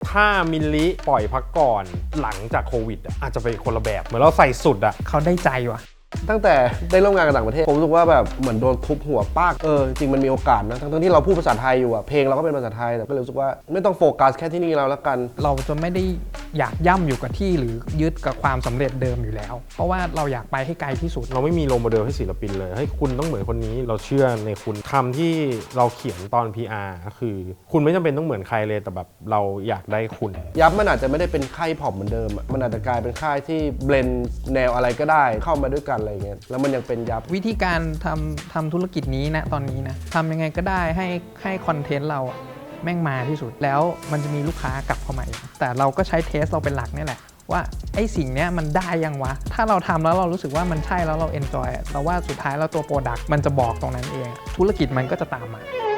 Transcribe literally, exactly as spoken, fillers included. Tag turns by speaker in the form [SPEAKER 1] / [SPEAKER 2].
[SPEAKER 1] ถ้ามิลลิปล่อยพักก่อนหลังจากโควิดอ่ะอาจจะเป็นคนละแบบเหมือนเราใส่สุดอ่ะ
[SPEAKER 2] เขาได้ใจว่ะ
[SPEAKER 3] ตั้งแต่ได้ร่วมงานกับต่างประเทศผมรู้สึกว่าแบบเหมือนโดนทุบหัวปากเออจริงมันมีโอกาสนะทั้งที่เราพูดภาษาไทยอยู่อะเพลงเราก็เป็นภาษาไทยแต่ก็รู้สึกว่าไม่ต้องโฟกัสแค่ที่นี่เราแล้วกัน
[SPEAKER 2] เราจะไม่ได้อยากย่ำอยู่กับที่หรือยึดกับความสำเร็จเดิมอยู่แล้วเพราะว่าเราอยากไปให้ไกลที่สุด
[SPEAKER 1] เราไม่มีโรลโมเดลให้ศิลปินเลยให้คุณต้องเหมือนคนนี้เราเชื่อในคุณคำที่เราเขียนตอน พี อาร์ ก็คือคุณไม่จำเป็นต้องเหมือนใครเลยแต่แบบเราอยากได้คุณ
[SPEAKER 3] ยับมันอาจจะไม่ได้เป็นค่ายพอปเหมือนเดิมมันอาจจะกลายเป็นค่ายที่เบลนด์แนวอะไรก็ได้เข้ามาด้วยกันอะไรเงี้ยแล้วมันยังเป็นยับ
[SPEAKER 2] วิธีการทำทำธุรกิจนี้นะตอนนี้นะทำยังไงก็ได้ให้ให้คอนเทนต์เราแม่งมาที่สุดแล้วมันจะมีลูกค้ากลับเข้ามาแต่เราก็ใช้เทสเราเป็นหลักนี่แหละว่าไอ้สิ่งนี้มันได้ยังวะถ้าเราทำแล้วเรารู้สึกว่ามันใช่แล้วเราเอนจอยเราว่าสุดท้ายแล้วตัวโปรดักต์มันจะบอกตรงนั้นเองธุรกิจมันก็จะตามมา